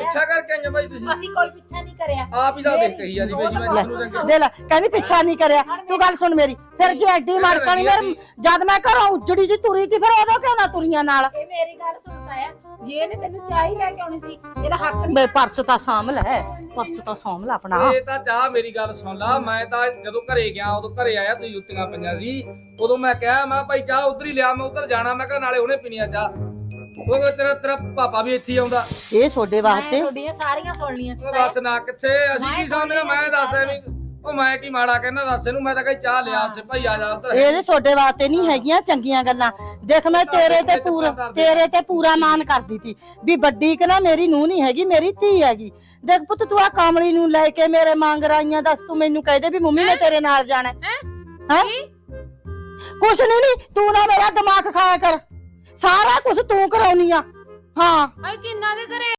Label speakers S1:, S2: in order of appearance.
S1: ਪਿੱਛਾ ਕਰਕੇ ਆਈਆਂ ਬਾਈ ਤੁਸੀਂ?
S2: ਅਸੀਂ ਕੋਈ ਪਿੱਛਾ ਨਹੀਂ ਕਰਿਆ।
S1: ਆਪ ਹੀ ਤਾਂ ਦੇਖ ਕਹੀ ਜਾਂਦੀ ਬਈ ਮੈਂ ਤੁਹਾਨੂੰ ਚੰਗੇ
S3: ਦੇ ਲੈ ਕਹਿੰਦੀ ਪਿੱਛਾ ਨਹੀਂ ਕਰਿਆ। ਤੂੰ ਗੱਲ ਸੁਣ ਮੇਰੀ, ਫਿਰ ਜੇ ਐਡੀ ਮੜਕਣੀ ਮੇਰ ਜਦ ਮੈਂ ਘਰੋਂ ਉਜੜੀ ਦੀ ਤੁਰੀ ਤੀ ਫਿਰ ਉਦੋਂ ਕਿਉਂ ਨਾ ਤੁਰੀਆਂ ਨਾਲ?
S2: ਇਹ ਮੇਰੀ ਗੱਲ ਸੁਣਦਾ ਆ, ਜੇ ਇਹਨੇ ਤੈਨੂੰ ਚਾਹ ਹੀ ਲੈ ਕੇ ਆਉਣੀ ਸੀ ਇਹਦਾ ਹੱਕ ਨਹੀਂ।
S3: ਬੇ ਪਰਸ ਤਾਂ ਸਾਂਭ ਲੈ, ਪਰਸ ਤਾਂ ਸਾਂਭ ਲੈ ਆਪਣਾ।
S1: ਇਹ ਤਾਂ ਚਾਹ ਮੇਰੀ ਗੱਲ ਸੁਣ ਲਾ, ਮੈਂ ਤਾਂ ਜਦੋਂ ਘਰੇ ਗਿਆ ਉਦੋਂ ਘਰੇ ਆਇਆ ਤੁਸੀਂ ਜੁੱਤੀਆਂ ਪਈਆਂ ਸੀ, ਉਦੋਂ ਮੈਂ ਕਿਹਾ ਮੈਂ ਭਾਈ ਚਾਹ ਉਧਰ ਹੀ ਲਿਆ, ਮੈਂ ਉਧਰ ਜਾਣਾ, ਮੈਂ ਕਿਹਾ ਨਾਲੇ ਉਹਨੇ ਪੀਣੀ ਆ ਚਾਹ। ਉਹ ਤੇਰਾ ਪਾਪਾ ਵੀ ਇੱਥੇ ਹੀ ਆਉਂਦਾ।
S3: ਇਹ ਤੁਹਾਡੇ ਵਾਸਤੇ
S2: ਤੁਹਾਡੀਆਂ ਸਾਰੀਆਂ ਸੁਣਨੀਆਂ ਸੀ।
S1: ਦੱਸ ਨਾ ਕਿੱਥੇ ਅਸੀਂ ਕੀ ਸਮਝਣਾ, ਮੈਂ ਦੱਸ ਐਵੇਂ ਉਹ ਮੈਂ ਕੀ ਮਾੜਾ ਕਹਿਣਾ ਦੱਸ ਇਹਨੂੰ, ਮੈਂ ਤਾਂ ਕਹੀ ਚਾਹ ਲਿਆ ਉੱਥੇ ਭਾਈ ਆ ਜਾ ਉੱਧਰ।
S3: ਇਹਦੇ ਤੁਹਾਡੇ ਵਾਸਤੇ ਨਹੀਂ ਹੈਗੀਆਂ ਚੰਗੀਆਂ ਗੱਲਾਂ। ਦੇਖ ਮੈਂ ਤੇਰੇ ਤੇ ਪੂਰਾ ਮਾਨ ਕਰਦੀ ਤੀ ਵੀ ਵੱਡੀ ਕਿ ਨਾ ਮੇਰੀ ਨੂੰਹ ਨਹੀਂ ਹੈਗੀ, ਮੇਰੀ ਧੀ ਹੈਗੀ। ਦੇਖ ਪੁੱਤ ਤੂੰ ਆ ਕਾਮਲੀ ਨੂੰ ਲੈ ਕੇ ਮੇਰੇ ਮੰਗ ਰਾਈਆਂ, ਦੱਸ ਤੂੰ ਮੈਨੂੰ ਕਹਿ ਦੇ ਵੀ ਮੰਮੀ ਮੈਂ ਤੇਰੇ ਨਾਲ ਜਾਣਾ ਹੈ। ਕੁਛ ਨਹੀਂ, ਤੂੰ ਨਾ ਮੇਰਾ ਦਿਮਾਗ ਖਾਇਆ ਕਰ, ਸਾਰਾ ਕੁਝ ਤੂੰ ਕਰਾਉਣੀ ਆ। ਹਾਂ
S2: ਕਿੰਨਾ ਦੇ ਘਰੇ